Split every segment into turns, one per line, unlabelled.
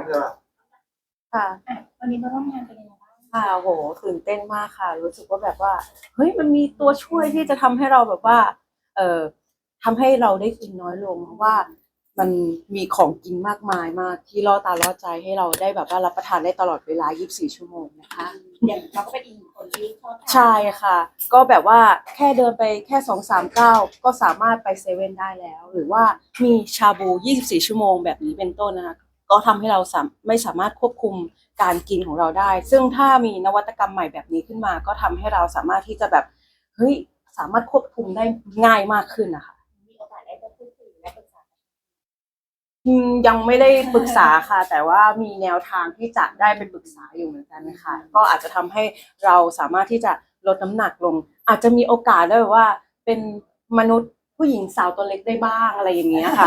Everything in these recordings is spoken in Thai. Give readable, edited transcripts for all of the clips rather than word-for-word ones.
เธอ
ค่ะ
วันนี้มาร่วมงานเป็นยังไงบ้าง
ค่ะโหตื่นเต้นมากค่ะรู้สึกว่าแบบว่าเฮ้ยมันมีตัวช่วยที่จะทำให้เราแบบว่าเอ่อทำให้เราได้กินน้อยลงเพราะว่ามันมีของกินมากมายมากที่ล่อตาล่อใจให้เราได้แบบว่ารับประทานได้ตลอดเวลา24ชั่วโมงนะคะ
อย่างเราก็เป็นอีกหนึ่งคนที่ชอบทาน
ใช่ค่ะก็แบบว่าแค่เดินไปแค่2-3 ก้าวก็สามารถไปเซเว่นได้แล้วหรือว่ามีชาบู24ชั่วโมงแบบนี้เป็นต้นนะคะก็ทำให้เราไม่สามารถควบคุมการกินของเราได้ซึ่งถ้ามีนวัตกรรมใหม่แบบนี้ขึ้นมาก็ทำให้เราสามารถที่จะแบบเฮ้ยสามารถควบคุมได้ง่ายมากขึ้นนะคะ
มีโอกาสได้ไปพูดคุยและปรึกษา
ยังไม่ได้ปรึกษาค่ะแต่ว่ามีแนวทางที่จะได้ไปปรึกษาอยู่เหมือนกันนะคะก็อาจจะทำให้เราสามารถที่จะลดน้ำหนักลงอาจจะมีโอกาสได้ว่าเป็นมนุษย์ผู้หญิงสาวตัวเล็กได้บ้างอะไรอย่างเงี้ยค่ะ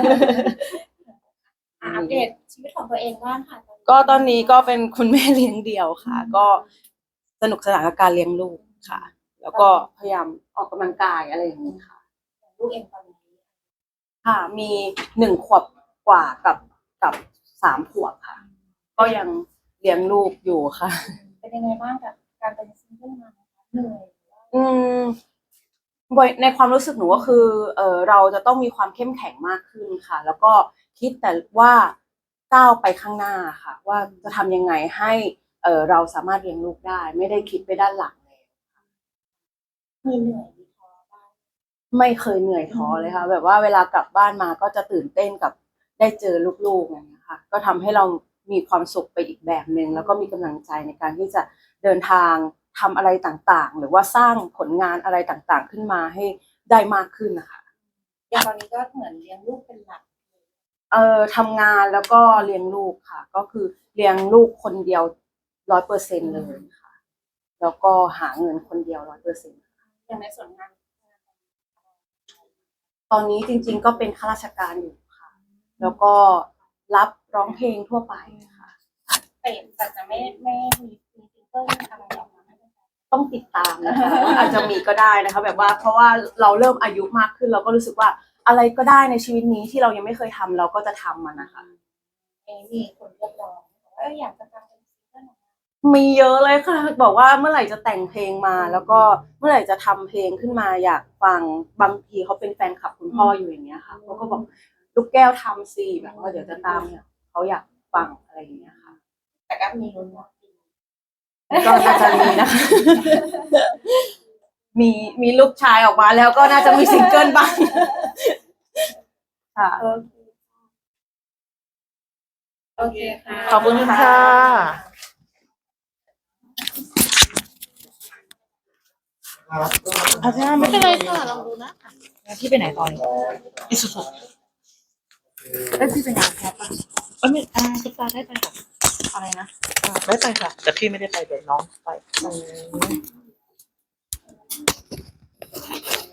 อัปเดตชีวิตของตัวเองบ้างค่ะ
ก็ตอนนี้ก็เป็นคุณแม่เลี้ยงเดี่ยวค่ะ ก็สนุกสนานกับการเลี้ยงลูกค่ะ แล้วก็พยายามออกกำลังกายอะไรอย่างนี้ค่ะ
ลูกเองตอนนี้
ค่ะมี1 ขวบกว่ากับ3 ขวบค่ะ ก็ยังเลี้ยงลูกอยู่ค่ะ
เป็นยังไงบ้างกับการเป็นซิงเกิลมัมเหนื่อย
อืมในความรู้สึกหนูก็คือเราจะต้องมีความเข้มแข็งมากขึ้นค่ะ แล้วก็คิดแต่ว่าก้าวไปข้างหน้าค่ะ ว่าจะทำยังไงให้เราสามารถเลี้ยงลูกได้ ไม่ได้คิดไปด้านหลังเลย
มีเหนื่อยมีท้อบ้าง
ไม่เคยเหนื่อยท้อเลยค่ะแบบว่าเวลากลับบ้านมาก็จะตื่นเต้นกับได้เจอลูกๆอย่างเงี้ยค่ะก็ทำให้เรามีความสุขไปอีกแบบหนึ่งแล้วก็มีกำลังใจในการที่จะเดินทางทำอะไรต่างๆหรือว่าสร้างผลงานอะไรต่างๆขึ้นมาให้ได้มากขึ้นนะคะ
อย่างตอนนี้ก็เหมือนเลี้ยงลูกเป็นหลัก
ทำงานแล้วก็เลี้ยงลูกค่ะก็คือเลี้ยงลูกคนเดียว100%เลยค่ะแล้วก็หาเงินคนเดียว100%
อย่างในส่วนงาน
ตอนนี้จริงๆก็เป็นข้าราชการอยู่ค่ะแล้วก็รับร้องเพลงทั่วไปค่ะ
แต่จะไม่มีซิงเกิลอะไรออกมา
ต้องติดตามนะคะอาจจะมีก็ได้นะคะแบบว่าเพราะว่าเราเริ่มอายุมากขึ้นเราก็รู้สึกว่าอะไรก็ได้ในชีวิตนี้ที่เรายังไม่เคยทำเราก็จะทำมันนะคะ
มีคนเรียกร้องอยากจะทำเป็นซิงเกิล
มีเยอะเลยค่ะบอกว่าเมื่อไหร่จะแต่งเพลงมาแล้วก็เมื่อไหร่จะทำเพลงขึ้นมาอยากฟังบางทีเขาเป็นแฟนคลับคุณพ่ออยู่อย่างเงี้ยค่ะเขาก็บอกลูกแก้วทำสิแบบว่าเดี๋ยวจะตามเนี่ยเขาอยากฟังอะไรอย่างเงี้ยค่ะ
แต่ก็มีลุ้นว่า
ก็น่าจะมีนะคะมีลูกชายออกมาแล้วก็น่าจะมีซิงเกิลบ้างค่ะ
โอเคค่ะ
ขอบคุณค่ะ
อาจารย์
ไม่เป็นไรค่ะลองดูนะพี่ไปไหนตอนนี้อิสุสุ
พี่เป็นงานแคปป่ะ
ไม่ตุ๊กตาได้ไปค่ะ
อะไรนะ
ได้ไปค่ะแต่พี่ไม่ได้ไปเดี๋ยวน้องไป